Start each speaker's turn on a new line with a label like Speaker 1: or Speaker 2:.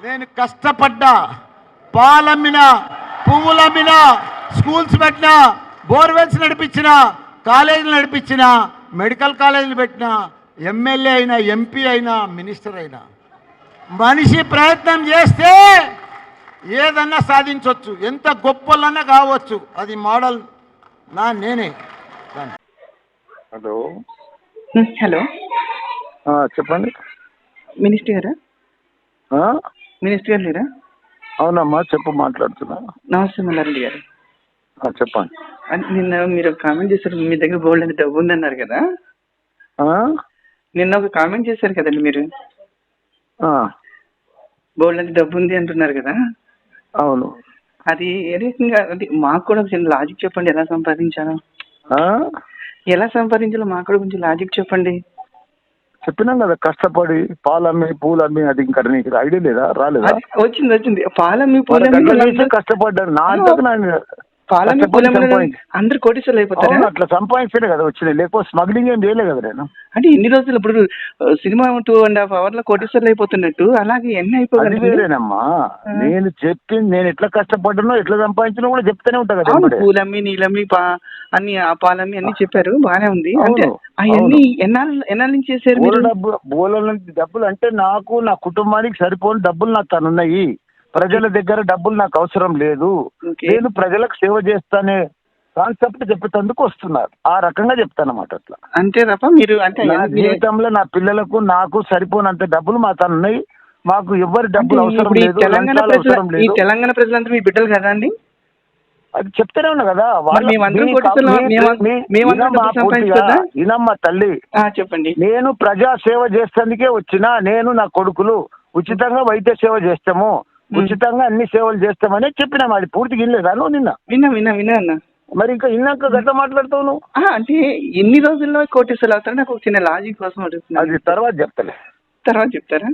Speaker 1: నేను కష్టపడ్డా, పాలమ్మినా, పువ్వులమ్మినా, స్కూల్స్ పెట్టినా, బోర్వెల్స్ నడిపించిన, కాలేజీలు నడిపించిన, మెడికల్ కాలేజీలు పెట్టిన, ఎమ్మెల్యే అయినా, ఎంపీ అయినా, మినిస్టర్ అయినా. మనిషి ప్రయత్నం చేస్తే ఏదన్నా సాధించవచ్చు, ఎంత గొప్పలన్నా కావచ్చు. అది మోడల్ నేనే.
Speaker 2: హలో
Speaker 3: హలో
Speaker 2: చెప్పండి.
Speaker 3: మినిస్టర్ గారా? మినిస్టర్ గారు లేరా?
Speaker 2: అవునమ్మా, చెప్పు, మాట్లాడుతున్నా.
Speaker 3: నమస్తే మల్లారెడ్డి గారు.
Speaker 2: చెప్పండి.
Speaker 3: నిన్న మీరు కామెంట్ చేశారు, మీ దగ్గర బోల్డ్ అంత డబ్బు ఉందన్నారు కదా. నిన్న ఒక కామెంట్ చేశారు కదండి మీరు, బోల్డ్ అంత డబ్బు ఉంది అంటున్నారు కదా.
Speaker 2: అవును.
Speaker 3: అది ఏ రకంగా, అది మాకు కూడా కొంచెం లాజిక్ చెప్పండి. ఎలా సంపాదించాలో మాకు కూడా కొంచెం లాజిక్ చెప్పండి.
Speaker 2: చెప్పినాం కదా, కష్టపడి పాలమ్మి పూలమ్మి. అది ఇంకా నీకు ఐడియా లేదా? రాలేదా?
Speaker 3: వచ్చింది. పాలమ్మి పూలమ్మి
Speaker 2: కష్టపడ్డారు. నా అంతకు
Speaker 3: పాలమ్మి పూలమ్మి అందరు కోటీశ్వర్లు అయిపోతారు.
Speaker 2: అట్లా సంపాదించలే కదా వచ్చినాయి, లేకపోతే స్మగ్లింగ్ ఏం చేయలే కదా నేను.
Speaker 3: అంటే ఇన్ని రోజులు ఇప్పుడు సినిమా 2.5 hours కోటీశ్వర్లు అయిపోతున్నట్టు అలాగే ఎన్ని అయిపోతుంది.
Speaker 2: వేరేనమ్మా, నేను చెప్పింది, నేను ఎట్లా కష్టపడ్డానో ఎట్లా సంపాదించినా కూడా చెప్తానే ఉంటా కదా.
Speaker 3: పూలమ్మి, నీలమ్మి, అన్ని పాలమ్మి అన్ని చెప్పారు, బానే ఉంది. అంటే అవన్నీ ఎన్నాళ్ళ నుంచి చేశారు మీరు?
Speaker 2: బోల నుంచి డబ్బులు అంటే నాకు, నా కుటుంబానికి సరిపోని డబ్బులు నాకు తనున్నాయి. ప్రజల దగ్గర డబ్బులు నాకు అవసరం లేదు. నేను ప్రజలకు సేవ చేస్తానే కాన్సెప్ట్ చెప్పేందుకు వస్తున్నారు. ఆ రకంగా చెప్తానమాట. అట్లా
Speaker 3: అంతే తప్ప మీరు అంటే
Speaker 2: జీవితంలో నా పిల్లలకు నాకు సరిపోనంత డబ్బులు మా తనున్నాయి. మాకు ఎవరి డబ్బులు అవసరం లేదు.
Speaker 3: తెలంగాణ ప్రజలందరూ మీ బిడ్డలు కదా అండి?
Speaker 2: అది చెప్తానే ఉన్నా కదా. ఇనమ్మా తల్లి,
Speaker 3: చెప్పండి.
Speaker 2: నేను ప్రజా సేవ చేసేందుకే వచ్చినా. నేను నా కొడుకులు ఉచితంగా వైద్య సేవ చేస్తాము, ఉచితంగా అన్ని సేవలు చేస్తామని చెప్పినా. అది పూర్తిగా వినలేదా నువ్వు?
Speaker 3: విన్నా అన్న.
Speaker 2: మరి ఇంకా ఇన్నాక గట్లా మాట్లాడుతావు నువ్వు.
Speaker 3: అంటే ఎన్ని రోజుల్లో కోటీశ్వర్లు అవుతారని నాకు ఒక చిన్న లాజిక్ కోసం అడుగుతున్నా.
Speaker 2: అది తర్వాత చెప్తాలే.
Speaker 3: తర్వాత చెప్తారా?